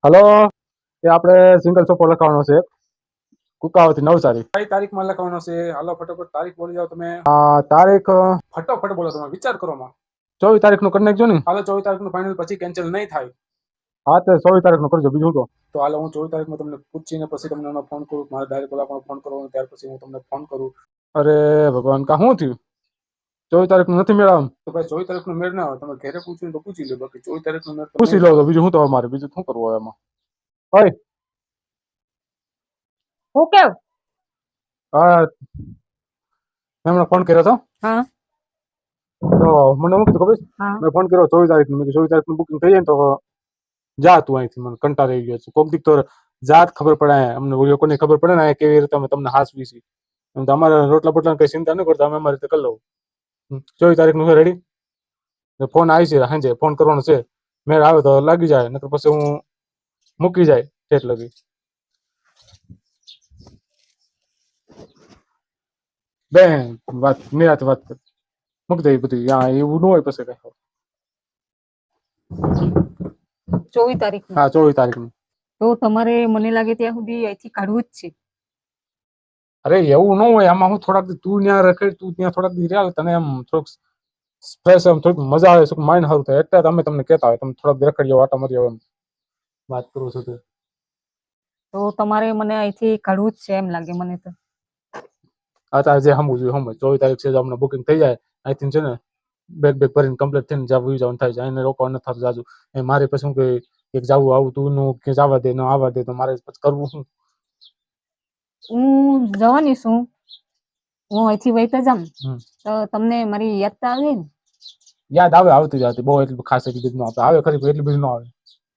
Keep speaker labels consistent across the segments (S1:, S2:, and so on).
S1: Hello, એ આપણે single સોપો લખાવવાનો છે કુકાવાથી નવસારી. કઈ તારીખમાં લખાવવાનો છે? હાલો ફટાફટ તારીખ બોલી જાઓ તમે. તારીખ ફટાફટ બોલો, તમે વિચાર કરો માં. 24 તારીખનું કરી નાખજો ને. હાલો 24 તારીખનું ફાઇનલ, પછી કેન્સલ નહીં થાય. હા તો 24 તારીખનું કરજો, બીજું તો હાલો હું 24 તારીખમાં તમને પૂછીને પછી તમને ફોન કરું. મારે ડાયરેક્ટ ઓલા ફોન કરવાનો, ત્યાર પછી હું તમને ફોન કરું. અરે ભગવાન, કા શું થયું? 24 તારીખનું નથી મેળ આવે તો ભાઈ 24 તારીખનું મેળ ના આવે. તમે ઘરે પૂછ્યું તો પૂછી લો, બાકી 24 તારીખનું મેળ પૂછી લો તો બીજું શું તો મારે બીજું શું કરવું હોય એમાં. ઓય
S2: હું કેવ?
S1: હા મેં હમણાં ફોન કર્યો હતો
S2: હા
S1: તો મને શું કીધું ખબર છે?
S2: હા
S1: મેં ફોન કર્યો 24 તારીખનું. મેં 24 તારીખનું બુકિંગ થઈ જાય ને તો જા તું અહીંથી, મને કંટાળ આવી ગયો છે. કોક દીક તો જાત ખબર પડે, અમને લોકોને ખબર પડે ને કેવી રીતે અમે તમને હાસવી છીએ. અમારે રોટલા બોટલા કઈ ચિંતા ન કરતા, અમે અમારી રીતે કરી લઉં. 24 તારીખનું છે રેડી? ફોન આવી છે સાંજે, ફોન કરવાનો છે. મેળ આવે તો લાગી જાય, નકર પછી હું મૂકી જાય ઠેઠ લગી. બેન વાત નિરાતે વાત કર, મૂકી દે બધી. એવું ન હોય પછી કઈ.
S2: 24 તારીખ
S1: હા 24 તારીખનું.
S2: તો તમારે મને લાગે ત્યાં સુધી અહીંથી કાઢવું જ છે.
S1: અરે એવું ન હોય, આમાં હું થોડાક તું ત્યાં રખે, તું ત્યાં થોડાક દી રહ્યા, તને એમ થોડુંક સ્પેસ, એમ થોડીક મજા આવે, શું માઇન્ડ સારું થાય. એટલે અમે તમને કહેતા હોય તમે થોડાક રખડી આટા મારી એમ વાત કરું છું.
S2: તો તમારે મને અહીંથી કાઢવું જ છે એમ લાગે મને તો.
S1: અત્યારે જે સમજવું જોઈએ સમજ. 24 તારીખ છે, અમને બુકિંગ થઈ જાય અહીંથી છે ને, બેગ ભરીને કમ્પ્લીટ થઈને જવાનું થાય છે. એને રોકવા નથી થતું જાજુ. મારે પછી શું કે એક જવું આવું તું નું કે જવા દે ન આવવા દે, તો મારે પછી કરવું શું?
S2: હું જવાની છું, હું અહીંથી વહીતા જામ તો તમને મારી યાદ તો આવે ને?
S1: યાદ આવે, આવતી જતી. બહુ એટલી ખાસ એટલી બધી ન આવે. આવે ખરી એટલી બધી ન આવે.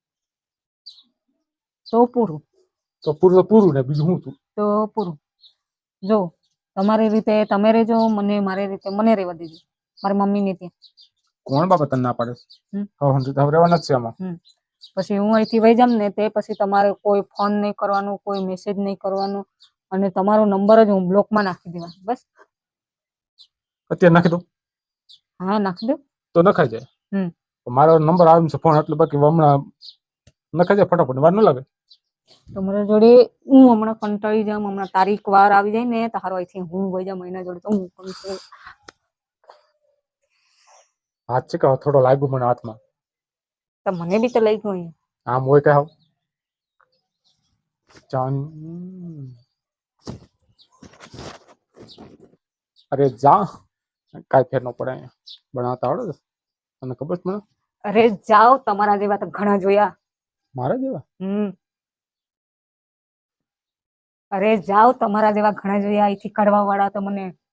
S2: તો પૂરું.
S1: તો પૂરું તો પૂરું ને, બીજું શું તું?
S2: તો પૂરું. જો તમારી રીતે તમે રહેજો, મને મારી રીતે મને રહેવા દેજો, મારી મમ્મીને ત્યાં.
S1: કોણ બાબા તને ના પાડે? હવે રહેવાના જ છે આમાં.
S2: પછી હું અહીંથી વહી જામ ને તે પછી તમારે કોઈ ફોન નહીં કરવાનું, કોઈ મેસેજ નહીં કરવાનું, અને તમારો નંબર જ હું બ્લોકમાં નાખી દેવા. બસ
S1: અત્યારે નાખી દો?
S2: હા નાખી દો
S1: તો નખાઈ જાય. મારો નંબર આવે છે ફોન, એટલે બાકી હમણાં નખાઈ જાય ફટાફટ, વાર ન લાગે. તમારા
S2: જોડે હું હમણાં કંટાળી જામ, હમણાં તારીખ વાર આવી જાય ને તારો અહીંથી હું વહી જામ એના જોડે, તો હું
S1: હાથ છે કે થોડો લાગ્યું મને હાથમાં.
S2: તો મને બી તો લઈ ગયું.
S1: આમ હોય કે હાવ જાન. અરે જા, કાંઈ ફેર ન પડે. અહીંયા બનાવતા આવડે તને ખબર છે મને?
S2: અરે જાઓ, તમારા જેવા તો ઘણા જોયા.
S1: મારા જેવા?
S2: અરે જાઓ, તમારા જેવા ઘણા જોયા. અહીંથી કાઢવા વાળા તો મને